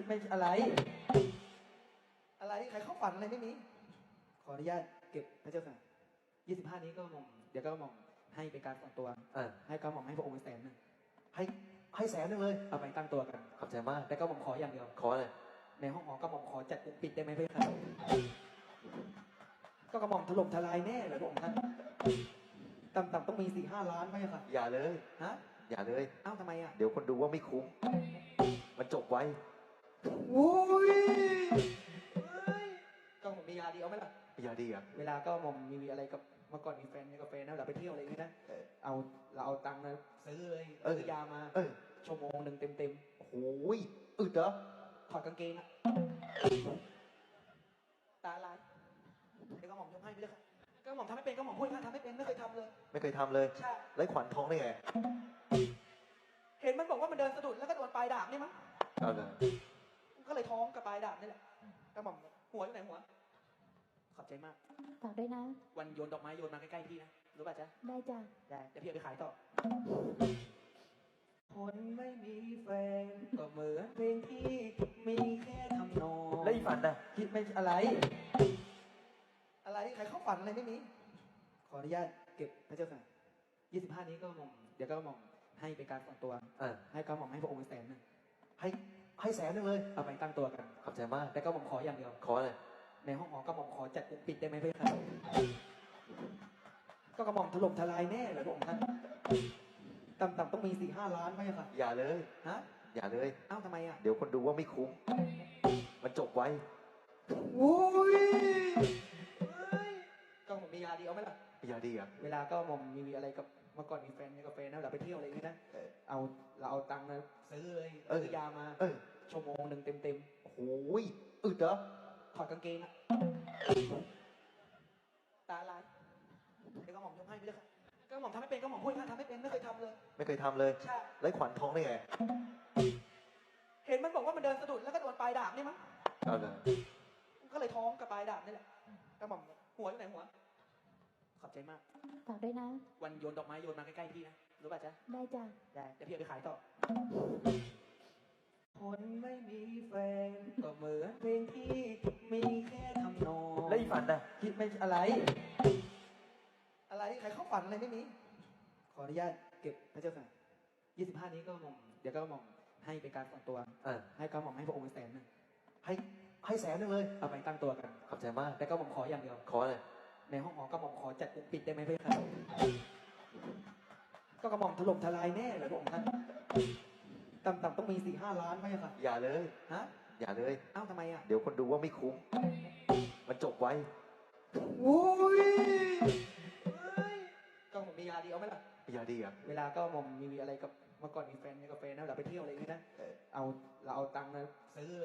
ไม่อะไรใครเข้าฝันอะไรไม่มีขออนุญาตเก็บพระเจ้าค่ะ25นี้ก็หม่อมเดี๋ยวก็หม่อมให้เป็นการส่วนตัวให้ก็หม่อมให้พระองค์100,000 ให้100,000เลยเอาไปตั้งตัวกันขอบใจมากแต่ก็หม่อมขออย่างเดียวขอเลยในห้องหอก็หม่อมขอจัดกุมปิดได้ไหมพระเจ้าค่ะก็กระหม่อมถล่มทลายแน่เลยพระองค์ท่านต่ำๆต้องมี4-5 ล้านพระเจ้าค่ะอย่าเลยฮะอย่าเลยเอ้าทำไมอ่ะเดี๋ยวคนดูว่าไม่คุ้มมันจบไว้โอ้ยก็หม่อมมียาดีเอาไหมล่ะยาดีอ่ะเวลาก็หม่อมมีอะไรกับเมื่อก่อนมีแฟนมีกาแฟนะเราไปเที่ยวอะไรอย่างนี้นะเราเอาตังค์นะซื้อเลยซื้อยามาชั่วโมงหนึ่งเต็มโอ้ยอึดเหรอถอดกางเกงอะตาลายเดี๋ยวก็หม่อมยกให้ไปเลยค่ะก็หม่อมทำไม่เป็นก็หม่อมพูดค่ะทำไม่เป็นไม่เคยทำเลยไม่เคยทำเลยใช่ไร้ขวัญทองได้ไงเห็นมันบอกว่ามันเดินสะดุดแล้วก็โดนปลายดาบนี่มั้งเอาเลยก็เลยท้องกับปลายดาบนี่แหละก็หม่อมหัวอยู่ไหนหัวขอบใจมากฝากด้วยนะวันโยนดอกไม้โยนมาใกล้ๆพี่นะรู้ป่ะจ๊ะได้จ้ะได้เดี๋ยวพี่เอาไปขายต่อคนไม่มีแฟนก็เหมือนเพลงที่มีแค่ทำนองแล้วอีฝันน่ะคิดไม่อะไรใครเข้าฝันอะไรไม่มีขออนุญาตเก็บพระเจ้าค่ะ25นี้ก็หม่อมเดี๋ยวก็หม่อมให้เป็นการส่วนตัวให้ก็หม่อมให้พระองค์100,000 ให้100,000เลยเอาไปตั้งตัวกันขอบใจมากแต่ก็หม่อมขออย่างเดียวขอเลยในห้องหอก็หม่อมขอจัดกุมปิดได้ไหมพระเจ้าค่ะก็กระหม่อมถล่มทลายแน่เลยพระองค์ท่านต่ำๆต้องมี4-5 ล้านพระเจ้าค่ะอย่าเลยฮะอย่าเลยเอ้าทำไมอ่ะเดี๋ยวคนดูว่าไม่คุ้มมันจบไว้โอ้ยก็หม่อมมียาดีเอาไหมล่ะยาดีอ่ะเวลาก็หม่อมมีอะไรกับเมื่อก่อนมีแฟนมีกาแฟนะเราไปเที่ยวอะไรอย่างนี้นะเราเอาตังค์นะซื้อเลยซื้อยามาชั่วโมงหนึ่งเต็มโอ้ยอึดเหรอถอดกางเกงอะตาลายเดี๋ยวก็หม่อมยกให้ไปเลยค่ะก็หม่อมทำไม่เป็นก็หม่อมพูดค่ะทำไม่เป็นไม่เคยทำเลยไม่เคยทำเลยใช่ไร้ขวัญทองได้ไงเห็นมันบอกว่ามันเดินสะดุดแล้วก็โดนปลายดาบนี่มั้งเอาเลยก็เลยท้องกับปลายดาบนี่แหละก็หม่อมหัวอยู่ไหนหัวขอบใจมากฝากด้วยนะวันโยนดอกไม้โยนมาใกล้ๆพี่นะรู้ป่ะจ๊ะได้จ้ะได้เดี๋ยวพี่เอาไปขายต่อคนไม่มีแฟนก็เหมือนเพลงที่มีแค่ทำนองแล้วอีฝันน่ะคิดไม่อะไรใครเข้าฝันอะไรไม่มีขออนุญาตเก็บพระเจ้าค่ะ25นี้ก็หม่อมเดี๋ยวก็หม่อมให้เป็นการส่วนตัวให้ก็หม่อมให้พระองค์100,000 ให้100,000เลยเอาไปตั้งตัวกันขอบใจมากแต่ก็หม่อมขออย่างเดียวขอเลยในห้องหอก็หม่อมขอจัดกุมปิดได้ไหมพระเจ้าค่ะก็กระหม่อมถล่มทลายแน่เลยพระองค์ท่านต่ำๆต้องมี4-5 ล้านพระเจ้าค่ะอย่าเลยฮะอย่าเลยเอ้าทำไมอ่ะเดี๋ยวคนดูว่าไม่คุ้มมันจบไว้โอ้ยก็หม่อมมียาดีเอาไหมล่ะยาดีอ่ะเวลาก็หม่อมมีอะไรกับเมื่อก่อนมีแฟนมีกาแฟนะเราไปเที่ยวอะไรอย่างนี้นะเราเอาตังค์นะซื้อ